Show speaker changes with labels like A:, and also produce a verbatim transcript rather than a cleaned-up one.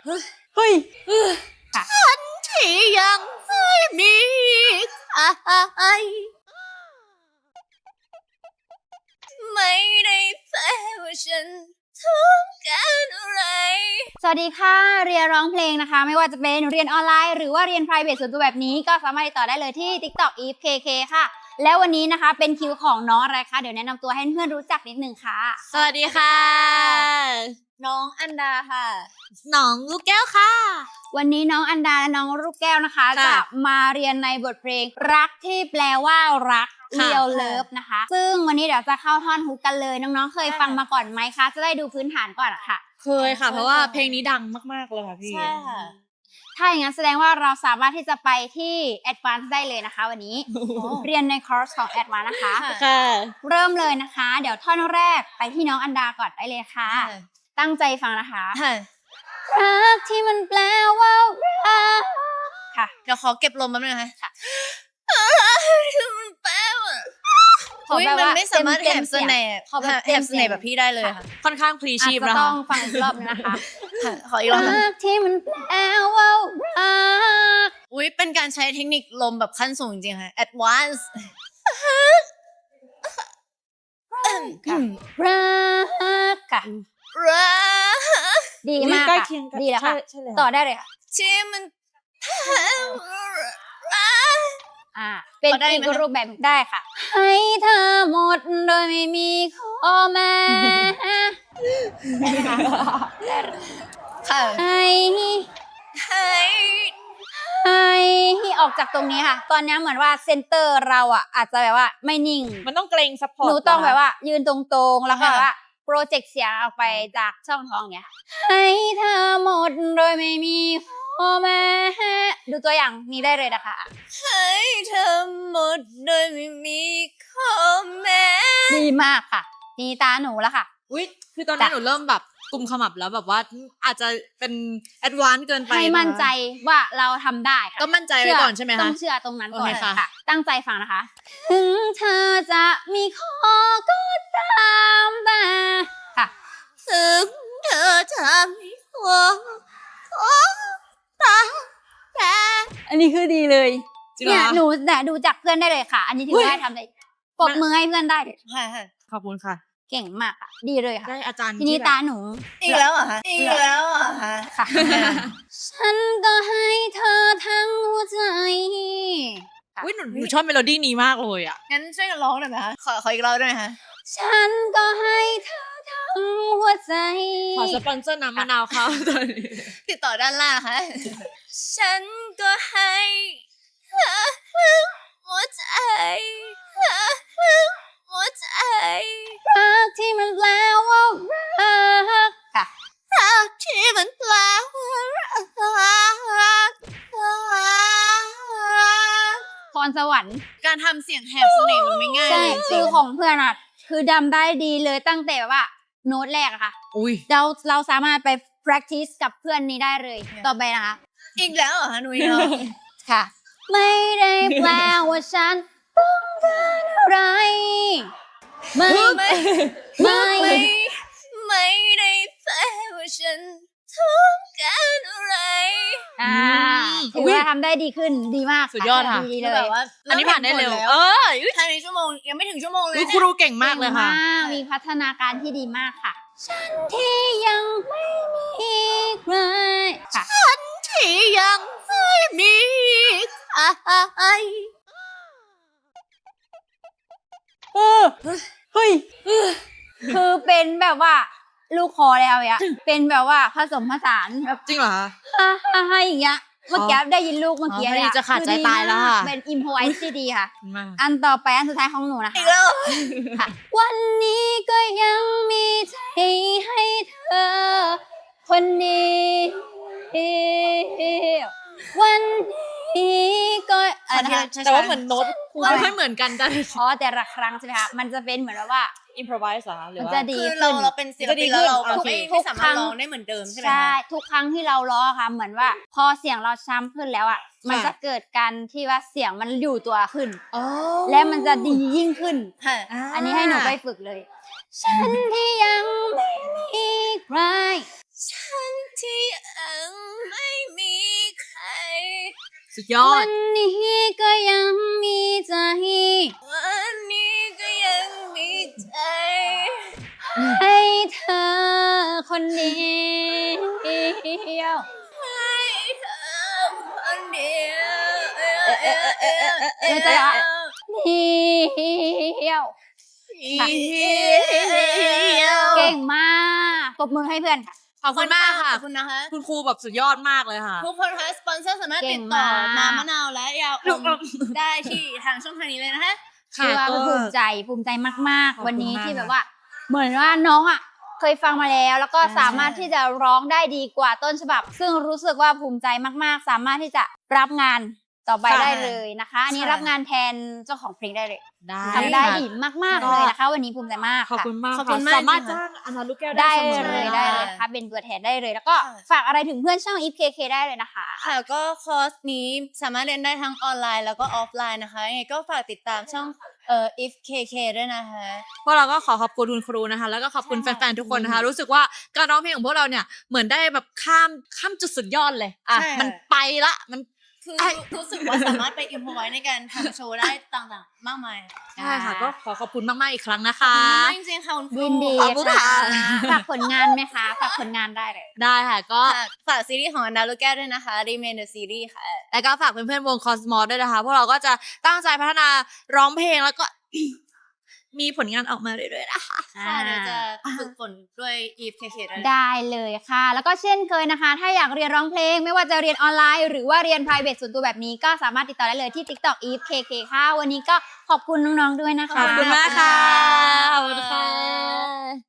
A: เฮ้ย
B: ฉันที่ยังไม่มีใครไม่ได้แปลว่าฉันต้องการอะไร
A: สวัสดีค่ะเรียนร้องเพลงนะคะไม่ว่าจะเป็นเรียนออนไลน์หรือว่าเรียน private ส่วนตัวแบบนี้ก็สามารถติดต่อได้เลยที่ TikTok Eve เค เค ค่ะแล้ววันนี้นะคะเป็นคิวของน้องอะไรคะเดี๋ยวแนะนำตัวให้เพื่อนรู้จักนิดนึงค่ะ
B: สวัสดีค่ะน้องอันดาค่ะน้องลูกแก้วค่ะ
A: วันนี้น้องอันดาและน้องลูกแก้วนะคะจะมาเรียนในบทเพลงรักที่แปลว่ารักเรียวเลิฟนะคะซึ่งวันนี้เดี๋ยวจะเข้าท่อนฮุกกันเลยน้องๆเคยฟังมาก่อนไหมคะจะได้ดูพื้นฐานก่อนค่ะ
B: เคยค่ะเพราะว่าเพลงนี้ดังมากๆเลยค่ะพี่
A: ใช่ค่ะถ้าอย่างนั้นแสดงว่าเราสามารถที่จะไปที่ Advance ได้เลยนะคะวันนี้ เรียนในคอร์สของ Advance นะคะ
B: ค่ะ
A: เริ่มเลยนะคะเดี๋ยวท่อนแรกไปที่น้องอันดาก่อนได้เลยค่ะตั้งใจฟังนะคะรักที่มันแปลว่ารักค่ะ
B: เดี๋ยวขอเก็บลมแป๊บนึงนะคะค่ะมันแปลว่าอุ้ยมันไม่สามารถแหบเสน่ห์แหบเสน่ห์แบบพี่ได้เลยค่ะค่อนข้างพลีชีพนะคะ
A: ต้องฟังอีกรอบนึงนะคะ
B: ขออีกรอบ
A: รักที่มันแปลว่ารัก
B: อุ้ยเป็นการใช้เทคนิคลมแบบขั้นสูงจริงๆค่ะ advance
A: รักค่ะ
B: รัก
A: ดีมากค่ะดีแล้วค่ะต่อได้เลยค่ะ
B: ที่มัน
A: อ่าเป็นอีกรูปแบบได้ค่ะให้เธอหมดโดยไม่มีข้อแม้
B: ค่ะ
A: ให้
B: ให้
A: ให้ออกจากตรงนี้ค่ะตอนนี้เหมือนว่าเซนเตอร์เราอ่ะอาจจะแบบว่าไม่นิ่ง
B: มันต้องเกรงซัพพอร์ต
A: หนูต้องแบบว่ายืนตรงๆแล้วก็แบบว่าโปรเจกต์เสียงออกไปจากช่องท้องเนี้ยให้เธอหมดโดยไม่มีข้อแม้ดูตัวอย่างนี้ได้เลยนะคะ
B: ให้เธอหมดโดยไม่มีข้อแม้
A: ดีมากค่ะนี่ตาหนูแล้วค่ะ
B: อุ๊ยคือตอนนี้หนูเริ่มแบบกุมขมับแล้วแบบว่าอาจจะเป็นแอดวานซ์เกินไป
A: ให้มั่นใจว่าเราทำได้ค่ะ
B: ก็มั่นใจไว้ก่อนใช่ไหมคะ
A: ต้องเชื่อตรงนั้นก่อนค่ะตั้งใจฟังนะคะถึงเธอจะมีข้อก็ตามแต่ค่ะ
B: ถึงเธอจะมีข้อก็ตามแต่
A: อันนี้คือดีเลยเนี่ยหนูแต่ดูจากเพื่อนได้เลยค่ะอันนี้ถือว่าทำได้ปรบมือให้เพื่อนได้เลย
B: ขอบคุณค่ะ
A: เก่งมากค่ะดีเลยค่ะ
B: ได้อาจารย์
A: ทีนี้ตาหนู
B: อีกแล้วอ่ะฮะอีกแล้วอ่ะฮะ
A: ค่ะฉันก็ให้เธอทั้งหัวใจ
B: อุ้ยหนูหนูชอบเมโลดี้นี้มากเลยอ่ะงั้นช่วยกันร้องหน่อยไหมคะขอขออีกรอบได้ไหมคะ
A: ฉันก็ให้เธอทั้งหัวใจ
B: ขอสปอนเซอร์น้ำมะนาวเขาตอนนี้ติดต่อด้านล่างค่ะฉันก็ให้เธอทั้งหัวใจหัวใจ
A: รักที่มันแปลว่ารักค่ะ
B: รักที่มันแปลว่ารัก
A: พรสวรรค์
B: การทำเสียงแหบเสน่ห์มันไม่ง่าย
A: ใช่คือของเพื่อนอ่ะคือดำได้ดีเลยตั้งแต่ว่าโน้ตแรกอะค่ะ
B: อุ้ย
A: เราเราสามารถไป practice กับเพื่อนนี้ได้เลยต่อไปนะคะ
B: อีกแล้วเหรอคะหนูเนาะ
A: ค่ะไม่ได้แปลว่าฉันต้องการอะไรไม่
B: ไม่ไม่ไม่ได้แปลว่าฉันต้องการอะไร
A: อ่าถือว่าทำได้ดีขึ้นดีมาก
B: สุดยอดค่ะ
A: ดีเลย
B: แบบว่าอันนี้ผ่านได้เร็วเออภายในชั่วโมงยังไม่ถึงชั่วโมงเลยครูเก่งมากเลยค่ะ
A: มีพัฒนาการที่ดีมากค่ะฉันที่ยังไม่มีใคร
B: ฉันที่ยังไม่มีใคร
A: เออเฮ้ยคือเป็นแบบว่าลูกคอแล้วอ่ะเป็นแบบว่าผสมผสานแบบ
B: จริงเหรอ
A: ฮ่าฮ่าอย่างเงี้ยเมื่อกี้ได้ยินลูกเมื่อกี้
B: เลยจะขาดใจตายแล้วค่ะ
A: เป็นอิมพอไวส์ที่ดีค่ะอันต่อไปอันสุดท้ายของหนูนะคะวันนี้ก็ยังมีใจให้เธอคนนี้วันนี้ก็
B: แต่ว่าเหมือนโน้ตไม่ค่อยเหมือนกันแต่
A: อ๋อแต่ละครั้งใช่ไหมคะมันจะเป็นเหมือนว่า
B: อิมพรไวส์เหรอหรือว่า
A: จะดี
B: ขึ้นเราเราเป็นศิลปินแล้วเราไม่สามารถร้องได้เหมือนเดิมใช่ไหม
A: ใช่ทุกครั้งที่เราร้องค่ะเหมือนว่าพอเสียงเราช้ำขึ้นแล้วอ่ะมันจะเกิดการที่ว่าเสียงมันอยู่ตัวขึ้นและมันจะดียิ่งขึ้นอันนี้ให้หนูไปฝึกเลยฉันที่ยังไม่มีใคร
B: ฉันที่ยัง
C: สุดยอ
A: วั
C: ด
A: นนี้ก็ยังมีใจ
B: วันนี้ก็ยังมีใจ
A: ให้เธอคนเดียว
B: ให้เธอคนเดียว
A: เดี๋ยวจะละเดียว เก่งมากปรบมือให้เพื่อนค่ะ
C: ขอบคุณมากค่ะ
B: ขอบคุณนะคะ
C: คุณครูแบบสุดยอดมากเลยค่ะ
B: ทุกคนคะสปอนเซอร์สามารถ
A: เก่
B: ติ
A: ง
B: ดต่อ
A: มาก
B: น้ำมะนาวและยาอมได้ที่ทางช่องทางนี้เลยนะคะ
A: คือว่า
C: ก็
A: ภูมิใจภูมิใจมาก
C: ขอบคุณ
A: ๆ วันนี้
C: มาก
A: ที่แบบว่า เหมือนว่าน้องอ่ะเคยฟังมาแล้วแล้วก็
B: ใช่
A: สามารถที่จะร้องได้ดีกว่าต้นฉบับ ซึ่งรู้สึกว่าภูมิใจมาก ๆ สามารถที่จะรับงานต่อไปได้เลยนะคะ อันนี้รับงานแทนเจ้าของเพลงได้เลย
C: ได้
A: ทำได้
C: ค่ะ
A: ดีมาก ๆ เลยนะคะ วันนี้ภูมิใจมาก
C: ขอบ
A: ค่ะ
C: คุณมาก
B: ขอบ
C: ค่ะ
B: คุณมาก
C: สามารถ
B: จริงๆ
C: จ้างอนาลูกแก้ว
A: ได้
C: ได้เสมอ
A: เลย
B: ค่ะ
A: ได้เลยนะคะเป็นตัวแทนได้เลย แล้วก็
B: ค่ะ
A: ฝากอะไรถึงเพื่อนช่อง อีฟ เค เค ได้เลยนะคะ
B: ค่ะก็คอร์สนี้สามารถเรียนได้ทั้งออนไลน์แล้วก็ออฟไลน์นะคะยังไงก็ฝากติดตามช่องเอ่อ if เค เค ด้วยนะคะ
C: พวกเราก็ขอขอบคุณคุณครูนะคะ แล้วก็ขอบคุณ
B: ใช่
C: แฟนๆทุกคนนะคะ รู้สึกว่าการร้องเพลงของพวกเราเนี่ยเหมือนได้แบบข้ามข้ามจุดสุดยอดเลยอ่ะ
B: ใช่ค่ะ
C: มันไปละมัน
B: คือ
C: ไอ้
B: รู้สึกว่าสามารถไปอิมพอไว้ในการทำโชว์ได้ต่างๆ มากมาย
C: ใช่ค่ะ ก็ขอขอบคุณมากๆอีกครั้งนะ
B: ขอบ
C: คะ
B: คุณมากจริงๆค่ะคุณครู
A: ยินดี
C: ขอบคุณ
A: ค่ะ
C: ค่ะ
A: ฝากผลงานไหมคะฝากผลงานได้เลย
C: ได้ค่ะก็
B: ฝากฝากซีรีส์ของอันดาลูกแก้วด้วยนะคะ Remain the Series ค่ะ
C: แล้วก็ฝากเพื่อนๆวงคอสมอสด้วยนะคะ พวกเราก็จะตั้งใจพัฒนาร้องเพลงแล้วก็ มีผลงานออกมาเรื่อยๆนะคะ
B: ค่ะเดี๋ยวจะฝึกฝนด้วย if เค เค ด้วย
A: ได้เลยค่ะ แล้วก็เช่นเคยนะคะ ถ้าอยากเรียนร้องเพลง ไม่ว่าจะเรียนออนไลน์ หรือว่าเรียน private ส่วนตัวแบบนี้ก็สามารถติดต่อได้เลยที่ TikTok อีฟ เค เค ค่ะ วันนี้ก็ขอบคุณน้องๆด้วยนะคะ
C: ขอบคุณมากค่ะ
B: ข
C: ข
B: อ
C: อ
B: บบ คุ
C: คุณ ณ
B: ค่ะ
C: ค่ะ